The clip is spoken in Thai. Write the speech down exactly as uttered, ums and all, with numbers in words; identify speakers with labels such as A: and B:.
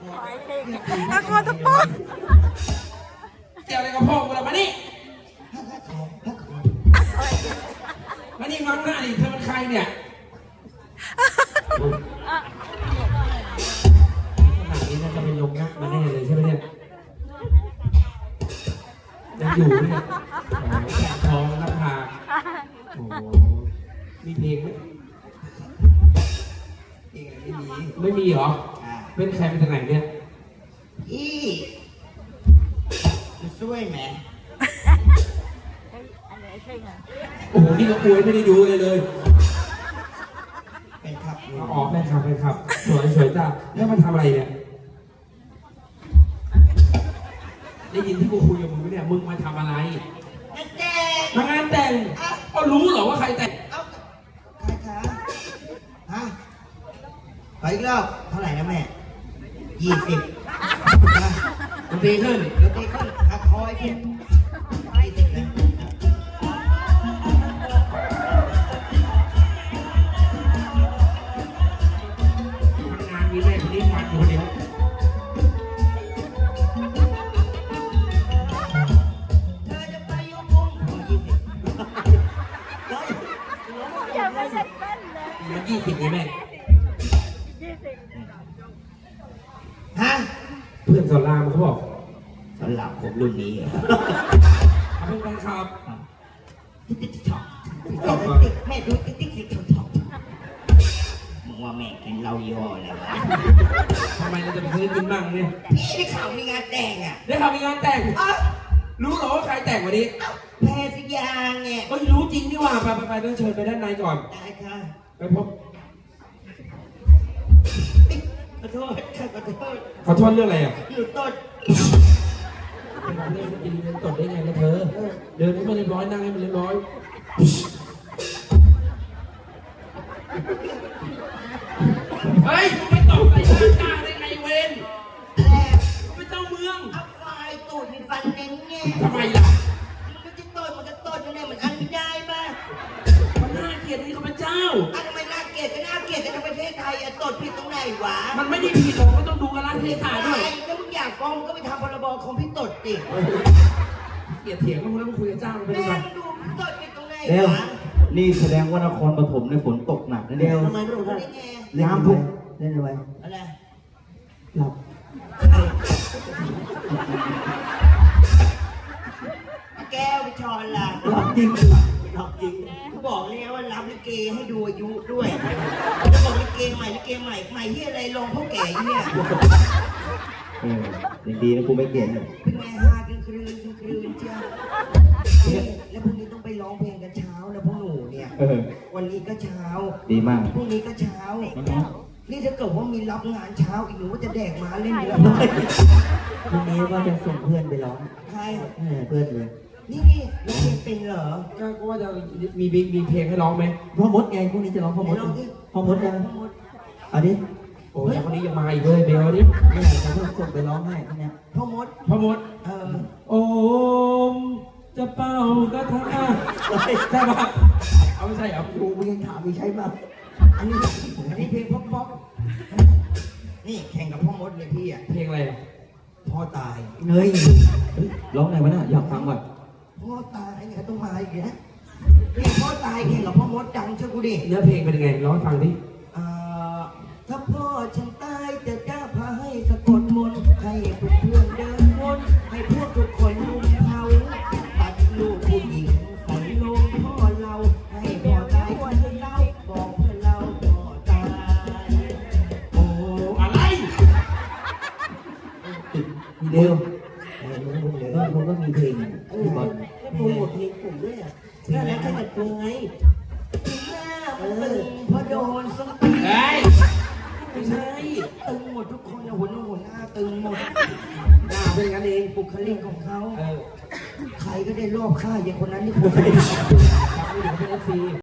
A: ละครตะปอน
B: เกี่ยวอะไรกับพ่อกูล่ะมานี่มานี่มังหน้าดิเธอเป็นใครเนี่ยขนาดนี้น่าจะเป็นลงนักมาแน่เลยใช่ไหมเนี่ยยังอยู่เนี่ยทองราคาโอ้มีเพลงไหม
C: เพลงไม่มี
B: ไม่มีเหรอเป็นใครเป็นจากไหนเนี่ย
C: อีจะช่วยไหม
B: โอ้โหนี่ก็ป่วยไม่ได้ดูเลยเลย
C: เป็นครับ
B: อ๋อแม่ครับแม่ครับสวยสวยจ้าแล้วมาทำอะไรเนี่ยได้ยินที่กูคุยกับมึงไหมเนี่ยมึงมาทำอะไร
C: งานแต่ง
B: มางานแต่งก็รู้เหรอว่าใครแต่ง
C: เอ้าใครคะฮะไปอีกรอบเท่าไหร่นะแม่ยี่สิบ
B: ดนตรีขึ้น
C: ดนตรีขึ้นหักคอยขึ้นยี่สิบนะ
B: งานมีแม่คนนี้มันคนเดียว
C: เธอจะไปยุ่งมุ่งยี่สิบ
A: อย่าไม่ใช่เป้นเลย
B: มันยี่สิบไงแม่
C: ฮะ
B: เพื่อนสอนรามเขาบอก
C: สำหรับผมรุ่นนี้
B: เขาเป็นแฟนคลับ
C: ติ๊กติ๊กท็อกแม่ดูติ๊กติ๊กติ๊กท็อกมึงว่าแม่กินเหล้ายี่ห้ออะไรวะ
B: ทำไมเราจะไปซื้อกินบ้างเนี่ย
C: พี่ได้ข่าวมีงานแต่งอ่ะ
B: ได้ข่าวมีงานแต่งรู้เหรอว่าใครแต่งวันนี้
C: แพรสยาไง
B: ก็รู้จริงนี่ว่าไปไปไปต้องเชิญไปด้านในก่อน
C: ได้ค่ะ
B: ไปพบ
C: ขอโทษขอโทษ
B: ขอโทษเรื่องอะไรอ่ะ
C: หนูตด
B: เล่นกินเล่นตดได้ไงล่ะเธอเดินให้มันเรียบร้อยนั่งให้มันเรียบร้อยเฮ้ยไม่ตดใส่หน้าจ้าได้ไงเว้น
C: อะไร
B: ไม่เจ้าเมือง
C: เอาไฟตูดมีฟันเน้นไง
B: ทำไมล่ะ
C: มันก็จะตดมันก็ตดยังไงมันอันไม่ได้ป่ะ
B: มันน่าเกลียดนี่เขาเป็นเจ้า
C: อันทำไมน่าเกลียดก็น่าเกลียดแต่ในประเทศไทยอะตดผิดตรงไหนวะ
B: มันไม่ได้ผิดหรอกก็ต้องดูกันละเทศาด้วย
C: แล้วมึงอยากฟ้องก็ไปทำพรบคอมพิวเตอร์ดิ
B: เกลียดเถียงกันแล้วมึงคุยกับเจ้าเป็นไง
C: แม่ดูตดผิดตรงไหนวะ
D: นี่แสดงว่านครปฐมในฝนตกหนักนะ
C: เดี
D: เนี่ย
C: ทำไมไม่รู้ได้ไง
D: น้ำทุกเล่นอะไร
C: อะไร
D: หลับ
C: แก้วไปชอนล่ะ
D: หลับจริงหลับจริง
C: เขาบอกเลยว่ารับลิเกให้ดูอายุด้วยจะบอกลิเกใหม่ลิเกใหม่ใหม่ที่อะไรลงพ่อแก่เนี่ย
D: เออดีนะกูไม่เกลียดเลย
C: เป็นไงฮากันคืนคืนเจ้าแล้วพรุ่งนี้ต้องไปร้องเพลงกันเช้าแล้วพวกหนูเนี่ยวันนี้ก็เช้า
D: ดีมาก
C: พรุ่งนี้ก็เช้านี่ถ้าเกิดว่ามีรับงานเช้าอีกหนูว่าจะแดกมาเล่นแล้ว
D: พรุ่งนี้ว่าจะส่งเพื่อนไปร้อง
C: ใคร
D: เพื่อนเลย
C: นี่นี่ร้องเพลงเป็นเหรอ
B: ก็ว่าจะมีมีเพลงให้ร้องไหม
D: พ่อมดไงพรุ่งนี้จะร้องพ่อมดพ่อมดยังเอาดิ
B: โอ้ยคนนี้ยังมาอีกเลยเบลดิ
D: เนี่ยเขาจะส่งไปร้องให้คนเนี้ย
C: พ่อมด
B: พ่อมด
C: เออ
B: โอมจะเป่ากระทะใช่ปะเอาไม่ใช่เอา
D: ดูมึงยังถามมีใช่ป่ะ
C: อันนี้อันนี้เพลงป๊อปป๊อปนี่แข่งกับพ่อมดเลยพี่อ่ะ
B: เพลงอะไร
C: พ่อตาย
D: เงยร้องไหนวะน่ะอยากฟังก่อน
C: พ่อตายเนี่ยต้องมาอีกแล้วนี่พ่อตายแข่งกับพ่อมดดังเชื่อกูดิ
B: เนื้อเพลงเป็นยังไงร้องให้ฟังดิ
C: ถ้าพ่อฉันตายจะจ้าพาให้สะกดมนต์ให้เพื่อนเพื่อนเดินวนให้พวกทุกคนลุมเผาตัดลูกผู้หญิงใส่ลงพ่อเราให้พ่อตายเพื่อนเราบอกเพื่อนเราพ่อตาย
B: โอ้อะไร
D: เดี๋ยวเดี๋ยวมันก็มีเพลงที่บอล
C: โปรโมทเพลงผมด้วยอ่ะนั่นแหละแค่แต่ตัวไงเออพอโดนส้มตีไม่ใช่ตึงหมดทุกคนนะหัวหน้าหัวหน้าตึงหมดหน้าเป็นกันเองบุคลิกของเขาใครก็ได้รอบฆ่าอย่างคนนั้นที่คนไม่ได้ทำไม่ได้เป็นเอฟซี